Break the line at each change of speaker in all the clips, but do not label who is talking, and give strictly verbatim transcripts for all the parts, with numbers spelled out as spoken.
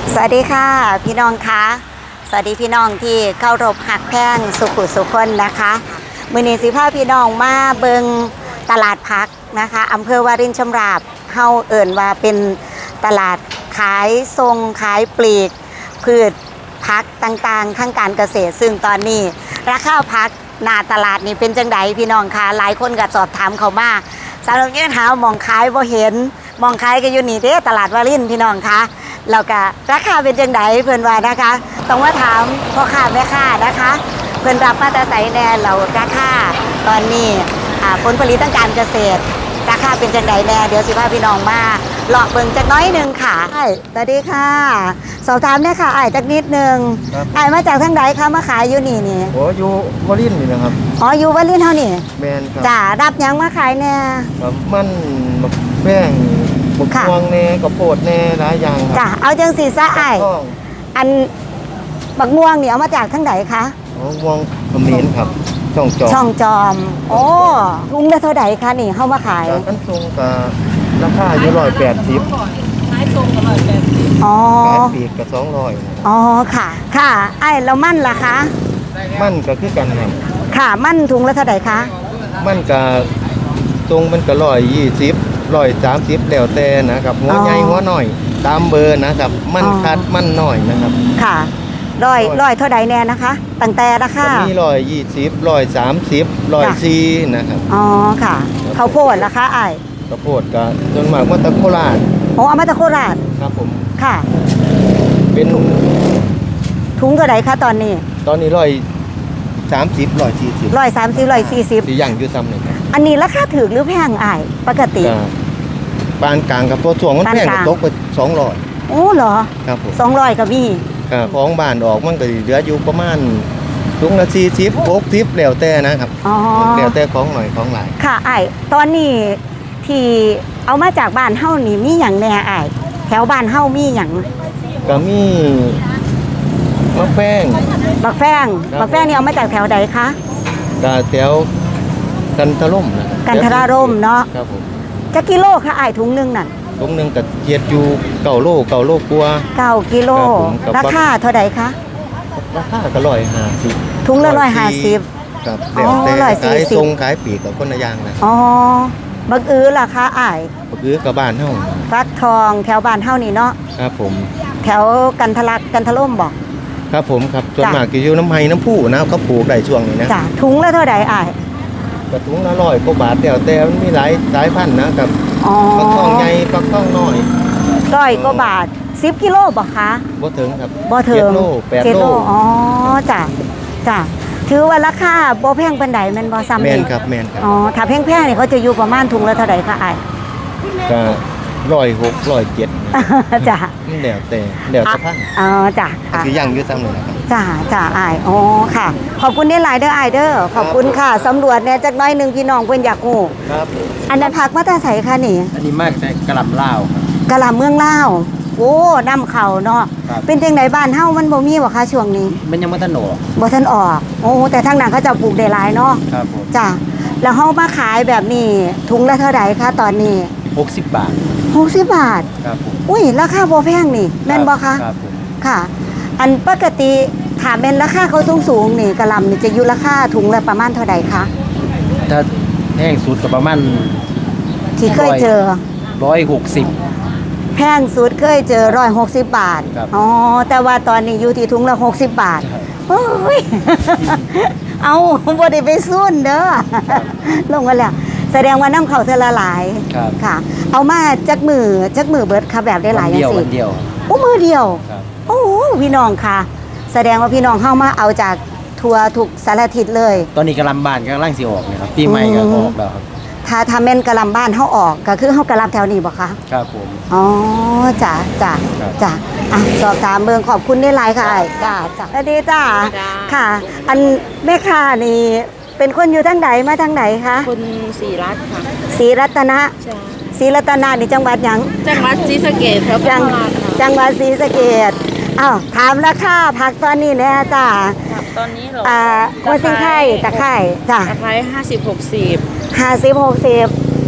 สวัสดีค่ะพี่น้องคะสวัสดีพี่น้องที่เข้ารบหักแพ่งสุขุสุคนนะคะมือนีสิพาพี่น้องมาเบิงตลาดพักนะคะอำเภอวารินชำราบเฮาเอิ่นว่าเป็นตลาดขายทรงขายปลีกพืชพักต่างๆทั้งการเกษตรซึ่งตอนนี้ราคาพักหน้าตลาดนี่เป็นจังไดพี่น้องคะหลายคนก็สอบถามเขามาสำหรับยืนหามองขายบ่เห็นมองขายก็อยู่นี่เด้ตลาดวารินพี่น้องคะแล้วก็ราคาเป็นจังไดเพิ่นว่านะคะต้องมาถามพ่อค้าแม่ค้านะคะเพิ่นรับมาแต่ไสแน่เราราคาตอนนี้อ่าผลผลิตทางการเกษตรราคาเป็นจังไดแน่เดี๋ยวสิพาพี่น้องมาเลาะเบิ่งจักน้อยนึงค่ะอ้ายสวัสดีค่ะสอบถามได้ค่ะอ้ายจักนิดนึงอ้ายมาจากทางใดคะมาขายอยู่นี่นี่
โอ้อยู่วอลินนี่นะครับ
อ๋ออยู่วารินเฮานี่
แมนครับ
จ้ารับหยังมาขายแน่
มันบักแป้งบักม่วงแน่กระโพดแน่หลายอย่าง
จ้าเอาจังสีซะอ้ายอันบักม่วงนี่เอามาจากทางใดคะ
อ๋อม่วงเขมรครับช่องจอม
ช่องจอมโอ้ถุงละเท่าใดคะนี่เฮามาขาย
กันทรงกับราคาอยู่ร้อยแปดสิบ
ขายทรงกับร้อยแปดสิบ
อ๋อ
ขายปีกกับสองร้อย
อ๋อค่ะค่ะไอ้แล้วมั่นล่ะคะ
มั่นก็คือกันครับ
ค่ะมั่นถุงละเท่าใดคะ
มั่นกับทรงมันก็ร้อยยี่สิบร้อยสามสิบแล้วแต่นะครับหัวใหญ่หัวหน่อยตามเบอร์นะครับมั่นคัดมั่นหน่อยนะครับ
ค่ะร้อยร้อยเท่าใดแน่นะคะตั้งแต่ราคา
มีร้อยยี่สิบร้อยสามสิบร้อยสี่นะครับ
อ๋อค่ะข้าวโพดล่ะคะไอ้
ข้าวโพดก็จนมากมาตะโคราช
โอ้เอามาตะโคราช
ครับผม
ค่ะ
เป็น
ถุงเท่าใดคะตอนนี้
ตอนนี้ร้อยสามสิบร้อยสี่สิบ
ร้อยสามสิบร้อยสี่สิบ
ที่ย่างอยู่ซ้ำเลยครับ
อันนี้ราคาถูกหรือแพงไอ้ปกติ
ปานกลางกับตัวส่วงมันแพงกับตกไปสองร้อย
โอ้เหรอ
ครับผม
สองร้อยก็มี
ของบ้านออกมันก็เหลืออยู่ประมาณถุงละสี่สิบหกสิบแล้วแต่นะครับแล้วแต่ของหน่อยของหลาย
ค่ะไอ้ตอนนี้ที่เอามาจากบ้านเฮ้านี่มีอย่างแน่ไอ้แถวบ้านเฮ้ามีอย่าง
ก็มีมะแฟ้ง
บักแฟ้งบักแฟ้งนี่เอามาจากแถวใดคะ
ก็แถวกันทะล่มนะ
กันทะล่มเนาะ
ครับผม
จะกิโลค่ะไอ้ถุงนึงนั่น
ถุงนึงก็เจียดอยู่เก้าโลเก้าโลกว่า
เก้ากิโลราคาเท่าใดคะ
ราคาก็ร้อยห้าสิบ
ถุงละร้อยห้าสิบ
ครับแล้วแต่ขายทรงขายปีกกับคนละอย่างนะ
อ๋อบักอื้อราคาไอ้
บักอื้อกับบ้านเฮา
ฟักทองแถวบ้านเฮานี่เนาะ
ครับผม
แถวกันทะลักกันทะล่มบอก
ครับผมครับส่วนมากจะอยู่น้ำไห้น้ำผู้นะเขาปลูกได้ช่วงนี้นะ
จ้ะถุงละเท่าใดไอ้
กระถุงละร้อยกว่าบาทแต่แต่มันมีหลายสายพันธุ์นะครับปักทองใหญ่ปักทองน้อย
ร้อยกว่าบาทสิบกิโลบ่คะ
บ่ถึงครับ
บ่ถึง
เจ็ดโลแปดโล
อ๋อจ้ะจ้ะถือว่าราคาบ่แพงปานใดแม่นบ่ซ้ำนี่
แม่นครับแม่นครับ
อ๋อถ้าแพงๆนี่เขาจะอยู่ประมาณถุงละเท่าใดคะอ้าย
ก็ร้อยหกร้อยเจ็ด
จ้ะ
เดี๋ยวแต่เดี๋ยวจะพัง
อ๋อจ้ะ
คือย่างอยู่ซ้ำเลยนะครับ
จ้ะจ้ะอ้ายอ๋อค่ะขอบคุณได้หลายเด้ออ้ายเด้อขอบคุณค่ะสำรวจเนี่ยจักน้อยนึงพี่น้องเพิ่นอยากฮู้
ครับ
อันนั้นผักมาแต่ไสคะนี่
อันนี้มากแต่กะหล่ำลาวครับ
กะหล่ำเมืองลาวโอ้นำเข้าเนาะเป็นจังไดบ้านเฮามันบ่มีบ่คะช่วงนี้
มันยังบ่ทันออก
บ่ทันออกโอ้แต่ทางนั้นเขาจะปลูกได้หลายเนาะ
ครับผม
จ้ะแล้วเฮามาขายแบบนี้ถุงละเท่าใดคะตอนนี้
หกสิบบาท
หกสิบบาท
ครับผม
อุ้ยราคาบ่แพงนี่แม่นบ่คะ
ครับผม
ค่ะอันปกติถ้าเป็นราคาเขาสูงๆนี่กะหล่ำนี่จะอยู่ราคาถุงละประมาณเท่าใดคะ
ถ้าแพงสุดก็ประมาณ
ที่เคยเจอ
ร้อยหกสิบ
แพงสุดเคยเจอร้อยหกสิบบาทอ๋อแต่ว่าตอนนี้อยู่ที่ถุงละหกสิบบาทโอ้ยเอาบ่ได้ไปซุ่นเด้อลงมาแล้วแสดงว่าน้ำเขาเทละหลายค่ะเอามาจักมือจักมือเบิดค่ะแบบได้หลายอย่างสิ
เดียว
โอ้มือเดียวโอ้พี่น้องค่ะแสดงว่าพี่น้องเข้ามาเอาจากทัวร์ทุกสารทิศเลย
ตอนนี้กำลังบ้านกำลังสิออกเนี่ยครับปีใหม่ก็ออกแล้วครับ
ถ้าทำเป็นกะลำบ้านเขาออกก็คือเขากะลำแถวนี้บ่คะ
ครับผม
อ๋อจ้ะจ้ะจ้ะอ่ะสอบถามเมืองขอบคุณได้หลายค่ะจ้ะจ้ะสวัสดีจ้ะค่ะอันแม่ค้านี่เป็นคนอยู่ทางไหนมาทางไหนคะ
คนศรีรัตน์ค่ะ
ศรีรัตนะศรีรัตนะนี่จังหวัดหยัง
จังหวัดศรีสะเกษครับ
จังจังหวัดศรีสะเกษอ้าวถามราคาผักตอนนี้แน่จ้ะ
ตอนนี้เหรอ
อ่าหัวซิงไข่ตะไคร้จ้ะ
ตะไคร้ห้าสิบหกสิบ
ห้าสิบหกสิบ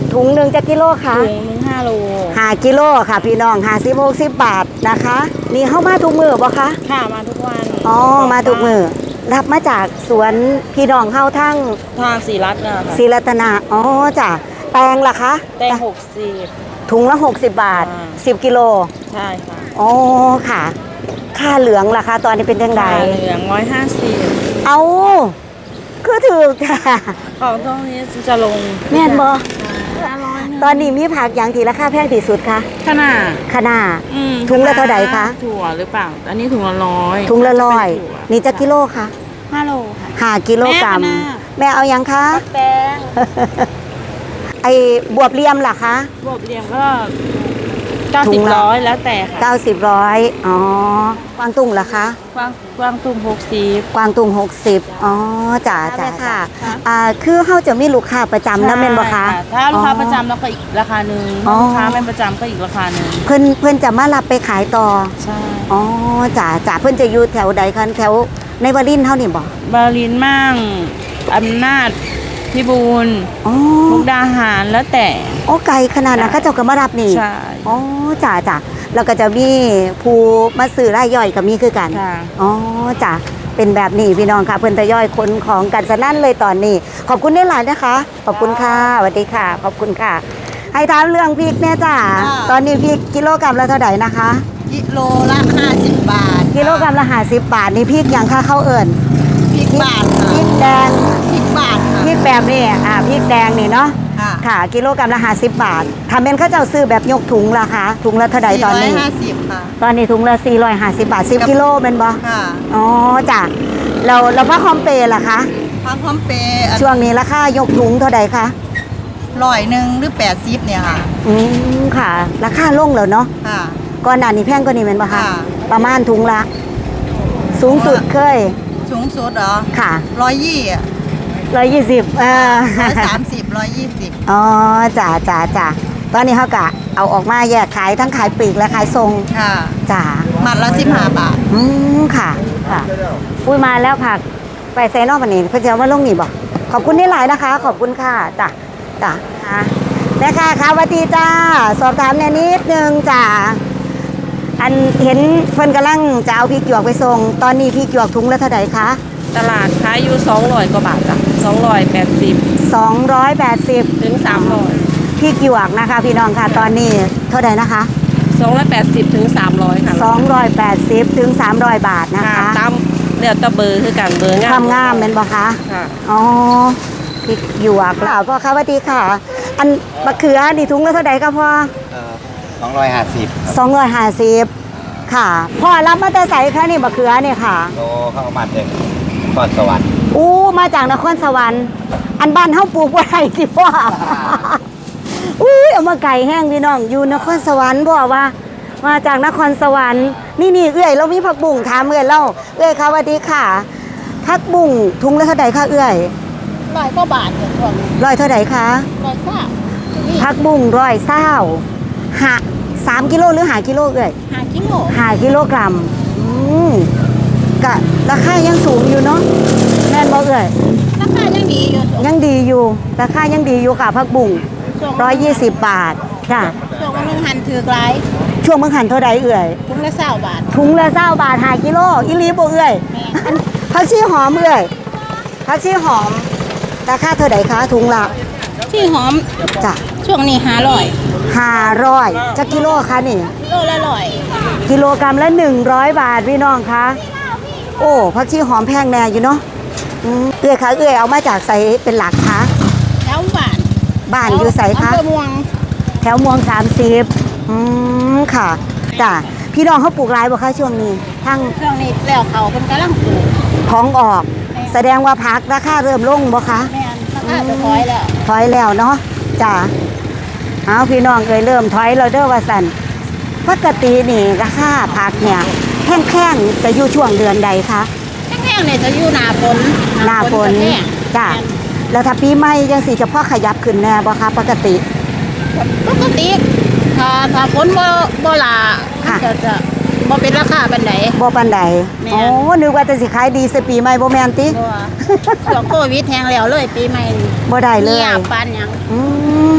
ถุงหนึ่งจะกิโลค่ะ
ถุงหนึ่งห้าโล
ห้ากิโลค่ะพี่น้องห้าสิบหกสิบบาทนะคะนี่เข้ามาทุกมือบ่คะ
ค่ะมาทุกวัน
อ๋อมาทุกมือรับมาจากสวนพี่น้องเข้าทั้ง
ทางสีรัตน์นะคะ
ศรีรัตนาอ๋อจ้ะแตงล่ะคะ
แตงหกสิบ
ถุงละหกสิบบาท
อ่า
สิบกิโล
ใช่ค่ะ
อ๋อค่ะ ค่าเหลืองล่ะคะตอนนี้เป็นยังไง
ปลาเหลืองร้อยห้าสิบ
เอาคือถือค่ะ
ของตรงนี้จะลง
แม่นบ่
ร้อยหนึ่ง
ตอนนี้มีผักอย่างที่ราคาแพงที่สุดคะ
ขนาด
คะน้า
อืม
ถุงละเท่าใดคะ
ถั่วหรือเปล่า อันนี้ถุงละร้อย
ถุงละร้อย
เป็นถั่ว
นี่จะกิโลคะ
ห้าโลค่ะ
ห้ากิโลกรัม
แม่คะน้า
แม่เอายังคะ
แตง
ไอ้บวบเลียมล่ะคะ
บวบเรียงก็เก้า
ถุ
สิบ
งละ
ร้อยแล้วแต่ค่ะ
เก้าสิบร้อยอ๋อ กวางตุ้งล่ะคะ
กวางกวางตุ้มหกสิบ
กวางตุ้งหกสิบอ๋อจ้าจ้าค่ะ อ่า คือเขาจะมีลูกค้าประจำนะแม่นบ่คะ
ถ้าลูกค้าประจำแล้วก็อีกราคาหนึ่ง
อ๋อ
ลูกค้าไม่ประจำก็อีกราคาหนึ่ง
เพิ่นเพิ่นจะมารับไปขายต่อ
ใช่
อ๋อจ้าจ้าเพิ่นจะอยู่แถวใดคะแถวในวารินทร์เท่านี่บ่
บาลินมั่งอำนาจพิบูล
อ๋อ
มุกดาหารแล้วแต่
โอ้ไกลขนาดนั้นเขาเจ้าก็มารับนี่
ใช่
อ๋อจ้าจ้าแล้วก็จะมีผู้มาซื้อรายย่อยก็มีคือกัน
ค่ะ
อ๋อจ้ะเป็นแบบนี้พี่น้องค่ะเพิ่นทยอยคนของกันสนั่นเลยตอนนี้ ขอบคุณได้หลายนะคะ ขอบคุณค่ะสวัสดีค่ะ ขอบคุณค่ะ ให้ถามเรื่องพริกเนี่ยจ้ะตอนนี้พริกกิโลกรัมละเท่าไหร่นะคะ
กิโลละห้าสิบบาท
กิโลกรัมละห้าสิบบาทนี่พริกอย่างค่าเข้าวเอิ่น
พริกบาท
พริกแดง
พริกบาท
พริกแบบนี้อ่าพริกแดงนี่เนาะ
ค่ะ
ค่ะ กิโลกรัมละห้าสิบบาทถ้าเป็นเขาเจ้าซื้อแบบยกถุงราคาถุงละเท่าไหร่ตอนนี้
สี่ร้อยห้าสิบค่ะ
ตอนนี้ถุงละสี่ร้อยห้าสิบบาทสิบกิโลเป็นบ่
ค่ะ
อ๋อจ้ะเราเราผ้าคอมเปย์ล่ะคะ
พังพร้อมเปย์
ช่วงนี้ราคายกถุงเท่าใดคะ
ร้อยหนึ่งหรือแปดสิบเนี่ยค่ะ
อืมค่ะ ราคาลงแล้วเนาะ
ค่ะ
ก่อนหน้านี้แพงกว่านี้แม่นบ่คะ
ค่ะ
ประมาณถุงละ สูงสุดเคย
สูงสุดเหรอ
ค่ะ
ร้อยยี่อ่ะ
ร้อยยี่สิบเออ
ร้อยสามสิบร้อยยี่สิบ
อ๋อจ้าจ้าจ้าตอนนี้เขากะเอาออกมาแยกขายทั้งขายปลีกและขายทรง
ค่ะ
จ้า
มัดละสิบห้าบาท
อืมค่ะค่ะอุ้ยมาแล้วผักไปไซนอกวันนี้เพื่อจะเอามาลงนี่บอกขอบคุณที่หลายนะคะ ขอบคุณค่ะจ้ะจ้ะค่ะแม่ค่ะค่ะสวัสดีจ้า สอบถามแนวนิดนึงจ้าอันเห็นเพิ่นกำลังจะเอาพริกหยวกไปส่งตอนนี้พริกหยวกถุงละเท่าไหร่คะ
ตลาดขายอยู่สองร้อยกว่าบาทจ้ะสองร้อยแปดสิบ
สองร้อยแปดสิบ
ถึงสามร้อย
พริกหยวกนะคะ พี่น้องค่ะตอนนี้เท่าไหร่นะคะ
สองร้อยแปดสิบถึงสามร้อยค่ะ
สองร้อยแปดสิบถึงสามร้อยบาทนะ
ค่ะ
คะ
ตามเดี๋ยวตะเบอร์คือกันเบอร์งาม
ความงามเป็นบ่คะ
ค่ะ
อ๋อพริกหยวกแล้วพ่อคะสวัสดีค่ะ อันมะเขือนี่ถุงละเท่าไหร่คะพ่อ
สองร้อยห้าสิบ
สองร้อยห้าสิบค่ะพ่อรับมาแต่ใส่คะนี่มะเขือเนี่ยค่ะ
โลเข้ามาเด็กนครสวรรค์
อู้มาจากนครสวรรค์ อันบ้านเฮาปลูกบ่ได้สิพ่อ อุ้ยเอามาไก่แห้งพี่น้องอยู่นครสวรรค์บอกว่า มาจากนครสวรรค์นี่นี่เอื้อยเรามีผักบุ้งถามเอื้อยเล่าเอื้อยค่ะสวัสดีค่ะผักบุ้งถุงละเท่าไหร่คะเอื้อย
ร้อยกว่าบาทเนี่ยช่วงนี้
ร้อยเท่าไหร่คะ
ร้อยสาม
ผักบุ้งร้อยเศร้าหาสามกิโลหรือหากิโลเอื้อย
ห้ากิโล
หากิโลกรัมอืมกะราคายังสูงอยู่เนาะแม่นบ่เอื้อย
ราคายังดีอยู่
ยังดีอยู่ราคายังดีอยู่ค่ะผักบุ้งร้อยยี่สิบบาทค่ะ
ช่วงวันนึงหันถือกหลาย
ช่วงเมื่อหันเท่าใดเอื่อย
ถุงละเศร้าบาท
ถุงละเศร้าบาทหากิโลอีหลีบ่เอื่อย
แม่
อันผักชีหอมเอื่อยผักชีหอมราคาเท่าใดคะถุงละ
ที่หอม
จ้ะ
ช่วงนี้ห้าร้อย
ห้าร้อยจักกิโลคะนี่
โลละร้อย
กิโลกรัมละหนึ่งร้อยบาทพี่น้องคะโอ้ผักชีหอมแพงแน่อยู่เนาะอืมเอื่อยคะเอื่อยเอามาจากใสเป็นหลักคะ
แล้วบาท
บ้านอยู่ใสคะ
อำเภอม่วง
แถวมวงสามสิบอืมค่ะจ้ะพี่น้องเขาปลูกหลายบ่คะช่วงนี้ทั้ง
ช่วงนี้แล้วเขาเป็นกำลังปลูก
ของออก แสดงว่าพักราคาเริ่มลงบ่คะ
แม่นราคาจะถอยแล้ว
ถอยแล้วเนาะจ้ะเอาพี่น้องเคยเริ่มถอยเราเด้อว่าสันปกตินี่ราคาผักเนี่ยแข้งๆจะอยู่ช่วงเดือนใดคะ
แห้งๆเนี่ยจะอยู่หน้าฝน
หน้าฝน
จะแห้ง
จ้ะแล้วถ้าปีใหม่ยังสิจะพอขยับขึ้นแน่บ่คะปกติ
ปกติถ้าถ้าฝนบ่บ่หลา
ค่ะ
จะจะบ่เป็นราคาปานใด
บ่ปานใด
แม่น
โอ้นึกว่าจะสิขายดีสิปีใหม่บ่แม่นติ
บ่ว่าช่วงโควิดแห้งแล้วเลยปีใหม่นี่
บ่ได้เลย
เงียบปานหยัง
อืม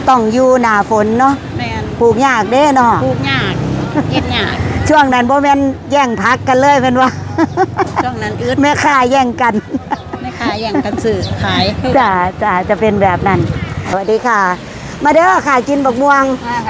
ต้องอยู่หน้าฝนเนาะ
แม่น
ปลูกยากเด้เนาะ
ปลูกยากเฮ็ดยาก
ช่วงนั้นบ่แม่นแย่งพักกันเลยเป็นว่า
ช่วงนั้นอึด
แม่ค้าแย่งกัน
ไม่ขายอย่างกันซื้อขาย
จ้าจ้าจะเป็นแบบนั้นสวัสดีค่ะ มาเด้อค่ะกินบักม่วง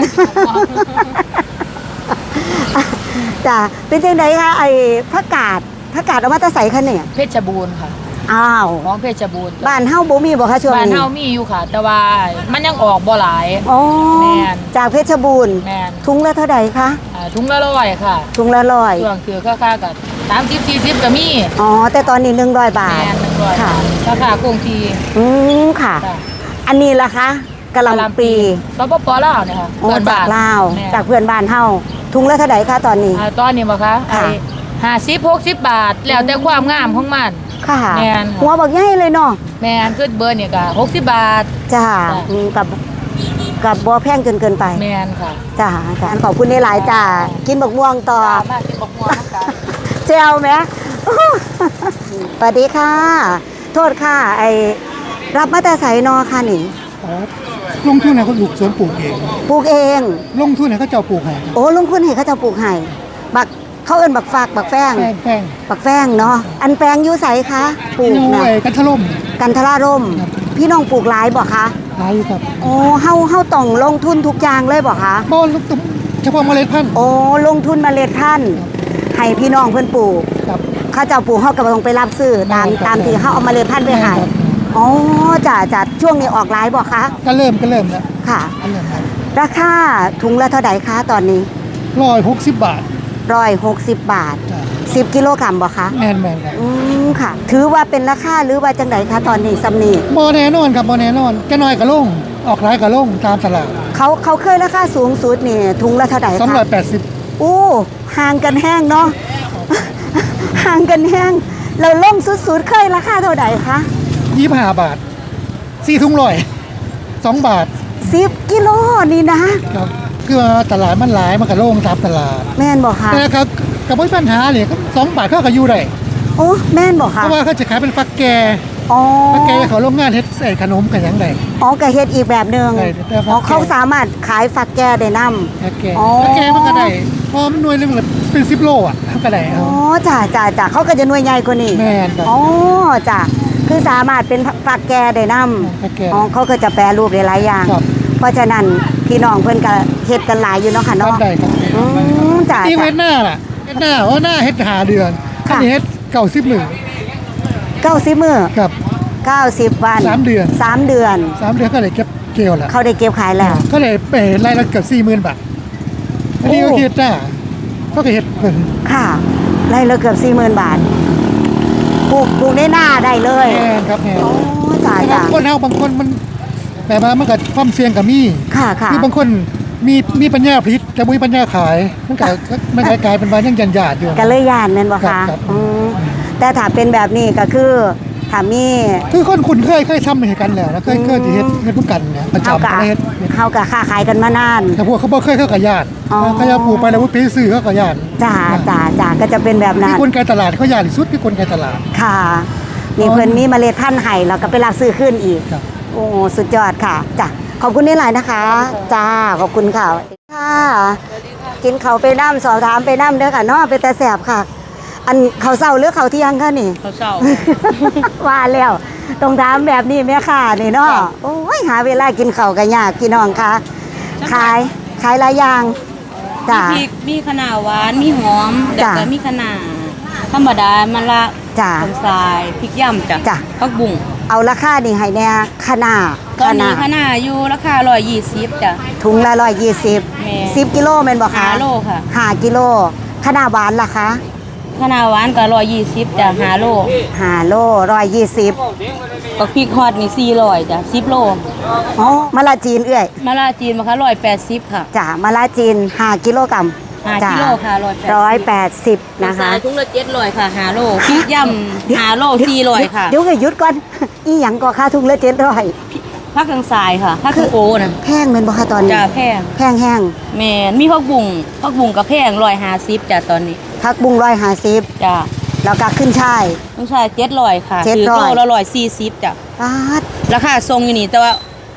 จ้าเป็นจังไดคะไอ้ผักกาดผักกาดเอามาแตะใส่คะเนี่ย
เพชรบูรณ์ค่ะ
อ้าว
ของเพชรบูรณ์
บ้านเฮาบ่มีบ่คะช่วง
บ้าน
นี้
เฮามีอยู่ค่ะ แต่ว่ามันยังออกบ่หลาย
อ๋อ
แม่น
จากเพชรบูรณ์
แม่น
ถุงละเท่าใดคะ
อ่าถุงละร้อยค่ะ
ถุงละร้อย
ช่วงคือค่าๆกับสามสิบสี่สิบก็มี
อ๋อแต่ตอนนี้หนึ่งร้อยบาท
แม่นหนึ่งร้อย
ค่ะ
ราคาคงที่
อืมค่ะ
ค่ะ
อันนี้ล่ะคะกะหล่ำปี
สปปลาวเนี่ยค่ะ
อ๋อ
เพื่อน
จา
บ้าก น
ลาว
แม่น
จากเพื่อนบ้านเฮาถุงละเท่าใดคะตอนนี้
อ่าตอนนี้บ่คะ
ค่ะ
ไอ้ห้าสิบหกสิบบาท แล้วแต่ความงามของมัน
ค่ะ
แม่น
หัวบักใหญ่เลยเนาะ
แม่นคือเบอร์นี่ก็หกสิบบาท
จ้า
จ้ะ
อืมกับกับบ่แพงจนเกินไป
แม่นค่ะ
จ้าจ้าขอบคุณในหลายๆจ้ากินบักม่วงต่อ
มากินบักม่วงนะคะ
เจลไหม สวัสดีค่ะ โทษค่ะ ไอรับมาแต่ใส่นอค่ะนี่
ลงทุนให้เขาปลูกสวนปลูกเอง
ปลูกเอง
ลงทุนให้เขาเจ้าปลูกให้
โอ้ลงทุนให้เขาเจะปลูกให้บักเขาเอิ้นบักฝากบักแป้ง
แป้งแป้ง
บักแป้งเนาะอันแปลงอยู่ใสคะปลูก
อยู่
นะ
ไอ้กันทะล่ม
กันทราร่ม
ครับ
พี่น้องปลูกหลายบ่คะ
ขายอยู่ครับ
โอ้เฮาเฮาต้องลงทุนทุกอย่างเลยบ่คะ
บ้านลูกตุ้มเฉพาะเมล็ดพันธุ์
โอ้ลงทุนเมล็ดพันธุ์ให้พี่น้องเพิ่นปลูก
ครับ
เขาเจ้าปลูกเฮาก็บ่ต้องไปรับซื้อตาม
ครับ
ตามที่เฮาเอาเมล็ดพันธุ์ไปให้
ครับ
อ๋อจ้ะจ้ะช่วงนี้ออกหลายบ่คะ
ก็เริ่มก็เริ่มแล้ว
ค่ะ
ก็เริ่มแล้ว
ราคาถุงละเท่าใดคะตอนนี้
ร้อยหกสิบบาท
ร้อยหกสิบบาท
จ้ะ
สิบกิโลกรัมบ่คะ
แมนแมนครับ
อืมค่ะ ถือว่าเป็นราคาหรือว่าจังไดคะตอนนี้สำนี
บอแน่นอนครับบอแน่นอนแค่น้อยก็ลงออกหลายก็ลงตามตลาด
เขาเขาเคยราคาสูงสุดนี่ถุงละเท่าใด
สอง
คะ
ร้อยแปดสิบ
อู้ห่างกันแห้งเนาะ ห่างกันแห้งเราล่มสุดๆเคยราคาเท่าใดคะ
ยี่สิบห้าบาทสี่ถุงร้อยสองบาท
สิบกิโลนี่นะ
ครับคือว่าตลาดมันหลายมันก็ลงตามตลาด
แม่นบอกคะ
แต่ครับกับปัญหาเนี่ยก็สองบาทเขาก็อยู่ได้
โอ้แม่นบอก
เพ
คะ
ราะว่าเขาจะขายเป็นฟักแก
อ๋อ
ฟักแกเขาโรงงานเฮ็ดใส่ขนมกันหยังได
อ๋อกะเฮ็ดอีกแบบหนึ่ง
ใช่แต่ฝักแก่
อ๋อเขาสามารถขายฝักแก่ได้นำ
ฟักแก
อ๋อ
ฟักแกมันก็ได้เพราะมันหน่วยหนึงละเป็นสิบโลอ่ะเขาก็ได้
อ๋
เอา
อจ้าจ้าจ้าเขาก็จะหน่วยใหญ่กว่านี้
แม่นครับ
อ๋อจ้าคือสามารถเป็นฝักแก่ได้นำ
ฟักแก
อ๋อเขาก็จะแปรรูปได้หลายอย่าง
ครับ
เพราะฉะนั้นพี่น้องเพิ่นก็เฮ็ดกันหลายอยู่เนาะค่ะ
ทำ
เนาะ
ได้ครับ
อืมจ้า
นี่
จ้า
เฮ็ดหน้าล่ะเฮ็ดหน้าว่าหน้าเฮ็ดหาเดือน
ค่ะ
อันนี้เฮ็ดเก่าสิบหมื่น
เก้าสิบมื้อ
กับ
เก้าสิบวัน
สามเดือน
สามเดือน
สามเดือนก็เลยเก็บเกี่ยวละ
เขาได้เก็บขายแล้ว
ก็เลยไปรายละเกือบสี่หมื่นบาทอันนี้ก็
โอ้
เฮ็ดหน้าก็เฮ็ดเพิ่น
ค่ะไร่ละเกือบสี่หมื่นบาทปลูกปลูกได้หน้าได้เลย
แม่นครับแม่น
โอ้จ้า
แต่
จ้า
บางคนเฮาบางคนมันแต่ว่ามันก็ความเสี่ยงก็มี
ค่ะค่ะ
คือบางคนมีมีปัญญาผลิตแต่บ่มีปัญญาขายมันก็มันก็กลายเป็นว่ายังยันยาดอยู่
ก็เลยย่านแม่นบ่
ครั
คะ
บครับ
อืมแต่ถ้าเป็นแบบนี้ก็คือถ้ามี
คือคนคุ้นเคยเคยทำให้กันแล้วนะเคยเคยที่เฮ็ดเฮ็ดร่วมกันเนี่ยประ
เฮา
จำ
กะ
ก็เฮ็ด
เฮากะค้าขายกันมานาน
แต่พวกเขาบ่เคยเข้ากับญาติ
อ๋อ
เขาจะปลูกไปแล้วว่าไปซื้อเขากับญาติ
จ้าจ้าจ้าก็จะเป็นแบบ
คื
นั้
อน คนไกลตลาดเขาญาติที่สุดคือคนไกลตลาด
ค่ะนี่เพิ่นมีเมล็ดพันธุ์ให้แล้วก็ไปรับซื้อขึ้นอีก
ครับ
โอ้สุดยอดค่ะจ้ะขอบคุณนี่หลายนะคะ จ้าขอบคุณค่ะค่ะกินเขาวไปน้ำสอบถามไปน้ำเด้อค่ะเนาะไปแต่แสบค่ะ อันเขาวเศร้าหรือเขาวเที่ยงคะนี่
เขาเศร้า
ว่าแล้วต้องถามแบบนี้แม่ค่ะนี่เนาะ
จ้ะ
โอ้ยหาเวลากินข้าวกันยากพี่น้องค่ะขายขายหลายอย่างจ้ะ
มีพริกมีขนาหวานมีหอม
จ้ะ
แล้วก็มีขนาธรรมดามะละ
จ้ะ
ผงทรายพริกย่ำจ้ะ
จ้ะ
ผักบุ้ง
เอาราคานี่ให้แน่ขนาด
ตอนนี้ขนาอยู่ราคาร้อยยี่สิบจ้ะ
ถุงละร้อยยี่สิบ
แม่
สิบกิโลแม่นบ่คะ
ห้าโลค่ะ
ห้ากิโลขนาดหวานล่ะคะ
ขนาหวานก็ร้อยยี่สิบจ้ะห้าโล
ห้าโลร้อยยี่สิบ
ก็พริกฮอดนี่สี่ร้อยจ้ะสิบโล
อ๋อมะละจีนเอื้อย
มะละจีนมาคะร้อยแปดสิบค่ะ
จ้ะมะละจีนห้ากิโลกรัม
ห้า
จ้ะ
กิโลค่ะร้อยแปด
ร้อยแปดสิบนะคะ
ถุงละเจ็ดร้อยค่ะห้าโลพริกย่ำห้าโลสี่ร้อยค่ะ
เดี๋ยวก็หยุดก่อน อีหยังก็ค่าถุงละเจ็ดร้อย
ผักทางทรายค่ะผักทางโอนะ
แพงเป็นบ่คะตอนนี้
จ้ะแพง
แพงแห้ง
แม่นมีผักบุ้งผักบุ้งกับแพงร้อยห้าสิบจ้ะตอนนี้
พักบุ้งร้อยห้าสิบ
จ้ะ
แล้วก็ขึ้นช่าย
ต้องใช้เจ็ดร้อยค่ะ
เจ็ด
ถือ
ร้อย
โลละร้อยสี่สิบจ้ะ
ปาด
ราคาทรงอยู่นี่แต่ว่า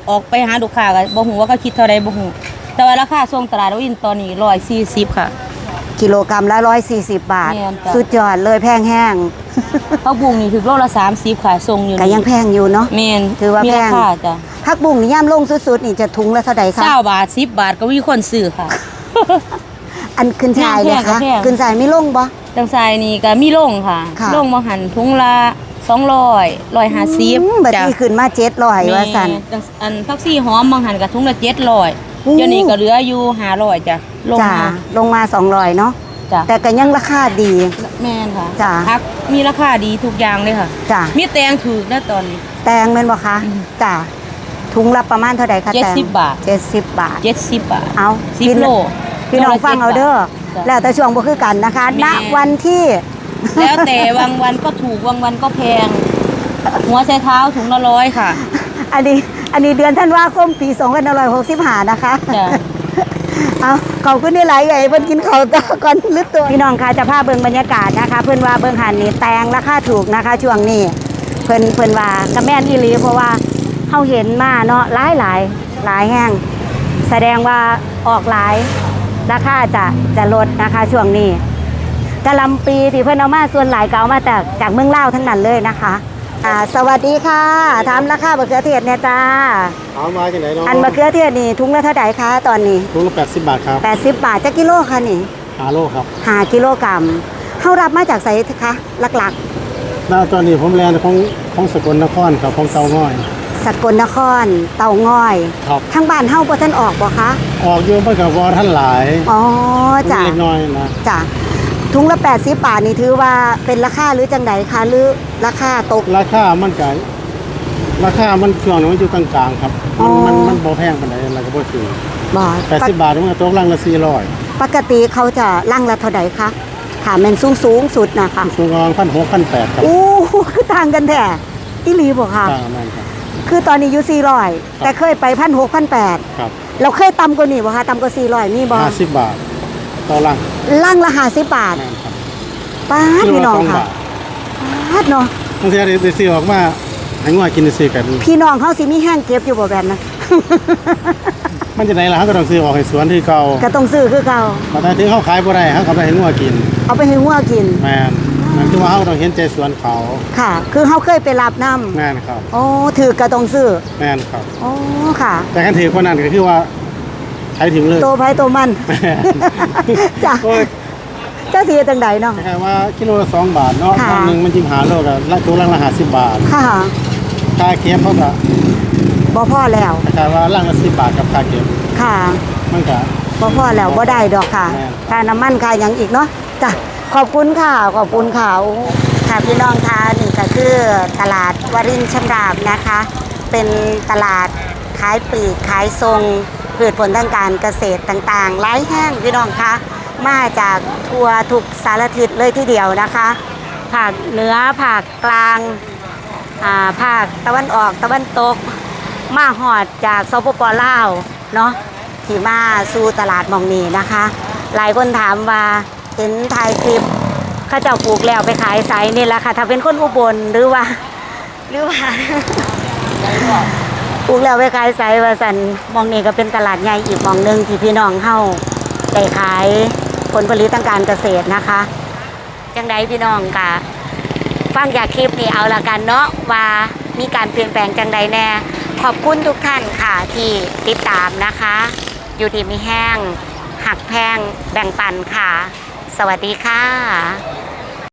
ออกไปหาลูกค้าก็บ่ฮู้ว่าเขาคิดเท่าใดบ่ฮู้แต่ว่าราคาส่งตลาดวินตอนนี้หนึ่งร้อยสี่สิบค่ะ
กิโลกรัมละร้อยสี่สิบบาท
แม่นจ้ะ
สุดยอดเลยแพงแห้ง
ผักบุ้งนี่ถึงโลละสามสิบค่ะส่งอยู่
ก็ยังแพงอยู่เนาะ
แม่น
ถือว่า
มี
แพ
ราง คาจ้ะ
ผักบุ้งนี่ย่ามลงสุดๆนี่จะถุงละเท่าใดคะ
เก้าบาทสิบบาทก็มีคนซื้อค่ะ
อันขึ้นชายเลย
แพงก็
คะ
แพง
ขึ้นชายไม่ลงบ่
จังไสนี่ก็มีลงค่ะ
ค่ะ
ลงบ่หันถุงละสองร้อย หนึ่งร้อยห้าสิบ
อืมบัดนี้ขึ้นมาเจ็ดร้อยว่าสั่น
แม่จังอันทักซี่หอมบางหันก็ถุงละเจ็ดร้อย
อู้
เดี๋ยวนี้ก็เหลืออยู่ห้าร้อยจ้ะลง
จ้า
มา
ลงมาสองร้อยเนาะ
จ้ะ
แต่ก็ยังราคาดี
แม่นค่ะ
จ้ะ
พักมีราคาดีทุกอย่างเลยค่ะ
จ้า
มีแตงถูกนะตอนนี้
แตงแม่นบ่คะ
อืม
จ้าถุงละประมาณเท่าใดคะ
เจ็ด
แตง
สิบบาท
เจ็ดสิบบาท
เจ็ดสิบบาท
เอา
สิบ
พี่
โล
พี่น้องฟังเอาเด้อ
จ้ะ
แล้วแต่ช่วงบ่คือกันนะคะ
แม่
ณวันที่
แล้วแต่บางวันก็ถูกบางวันก็แพง หัวไชเท้าถุงละร้อยค่ะ
อันนี้อันนี้เดือนธันวาคมปีสองพันห้าร้อยหกสิบห้านะคะ
จ้ะ
เอาขอบคุณที่หลายใหญ่เพิ่นกินข้าวต่อก่อนลึกตัวพี่น้องคะจะพาเบิ่งบรรยากาศนะคะ เพิ่นว่าเบิ่งหันนี่แตงราคาถูกนะคะ ช่วงนี้เพิ่นเพิ่นว่ากระแม่นอีหลีเพราะว่าเฮาเห็นมาเนาะหลายหลายหลายแห้งแสดงว่าออกหลายราคาจะจะลดนะคะ ช่วงนี้กะหลำปีที่เพิ่นเอามาส่วนหลายก็เอามาจากจากเมืองลาวทั้งนั้นเลยนะคะอ่าสวัสดีค่ะถามราคามะเขือเทศเนี่ยจ้า
เอามาจังไหนเนาะ
อันมะเขือเทศนี่ถุงละเท่าไหร่คะตอนนี้
ถุงละแปดสิบบาทครับ
แปดสิบบาทจะกิโลค่ะนี่
หาโลครับ
หากิโลกรัมเขารับมาจากไสคะหลัก
แล้วตอนนี้ผมแลนของของสกลนครครับของเตาง่อย
ๆสกลนครเตาง่อย
ครับ
ทางบ้านเฮาบ่ทันออกบ่คะ
ออกอยู่เพิ่นก็บ่ท่านหลาย
อ๋อจ้ะ
เล็กน้อยนะ
จ้ะถุงละแปดสิบบาทนี่ถือว่าเป็นราคาหรือจังไดคะหรือราคาตก
ราคามันก็ราคามันช่วงนี้มันอยู่กลางๆครับ
อ๋อ
มันมันมันบ่แพงปานใดแล้วก็บ่ถูก
บ่
แปดสิบบาทมันก็ตกลังละสี่ร้อย
ปกติเขาจะลั่งละเท่าใดคะถ้าแม่นสูงสูงๆสุดนะคะ
สูงประมาณพันหกพันแปดครับ
โอ้คือต่างกันแท้อีหลีบ่คะ
ต่างกันนั่นครับ
คือตอนนี้อยู่สี่ร้อยแต่เคยไปพันหกพันแปด
ครับ
เราเคยต่ำกว่านี้บ่คะต่ำกว่าสี่ร้อยมีบ่
ห้าสิบบาทต่อลัง
ล่างละห้าสิบบาท
นั่นครับ
ป้าด
กิโล
พี่น้
ละ
อง
สอง
ค่ะ
บาท
ป้าดเนาะ
บางทีได้ได้ซื้อออกมาให้งัวกินได้ซื้อกัน
พี่น้องเขาสิมีแห้งเก็บอยู่บ่แบบนั้น
มันจะไหนล่ะเขาก็ต้องซื้อออกให้สวนที่เก่า
ก็ต้องซื้อคือเก่า
พอถ้าถึงเขาขายบ่ได้เขาก็ไปให้งัวกิน
เอาไปให้งัวกิน
แม่นนั่นคือว่าเขาต้องเห็นใจสวนเขา
ค่ะ คือเขาเคยไปรับน้ำ
แม่นครับ
โอ้ถือก็ต้องซื้อ
แม่นครับ
โอ้ค่ะ
แต่กันถือคนนั้นก็คือว่าใช้ถิ่มเลย
โตไผโตมัน
แม่น
จ้ะ
โอ้ย
เจ้าสิเฮ็ดจังใดเนาะ
คล้ายๆว่ากิโลละสองบาทเนาะ
ค่ะ
ครั้งหนึงมันจิมหาโลก็ละตัวละห้าสิบบาท
ค่ะ
ค่าเก็บเขาก็
บ่พอแล้ว
คล้ายๆว่าลังละสิบบาทกับค่าเก็บ
ค่ะ
มันก็
บ่พอแล้วบ่ได้ดอกค่ะ
แม่น
ค่าน้ำมันค่าหยังอีกเนาะจ้ะขอบคุณค่ะขอบคุณค่ะโอ้ค่ะพี่น้องคะนี่ก็คือตลาดวรินทร์ชำราบนะคะ เป็นตลาดขายปลีกขายทรงพืชผลทางการเกษตรต่างๆหลายแห้งพี่น้องคะมาจากทั่วทุกสารทิศเลยทีเดียวนะคะภาคเหนือภาคกลางอ่าภาคตะวันออกตะวันตก มาหอดจากสปปลาวเนาะที่มาสู่ตลาดหมองนี้นะคะ หลายคนถามว่าเห็นถ่ายคลิปเข้าเจ้าปลูกแล้วไปขายไสนี่แหละค่ะ ถ้าเป็นคนอุบลหรือว่า หรือว่า ปลูกแล้วไปขายไสว่าสันหมองนี้ก็เป็นตลาดใหญ่อีกหมองหนึงที่พี่น้องเฮาได้ขายผลผลิตทางการเกษตรนะคะ จังใดพี่น้องกะฟังจากคลิปนี้เอาละกันเนาะว่ามีการเปลี่ยนแปลงจังใดแน่ ขอบคุณทุกท่านค่ะที่ติดตามนะคะ อยู่ดีมีแห้งหักแพงแบ่งปันค่ะ สวัสดีค่ะ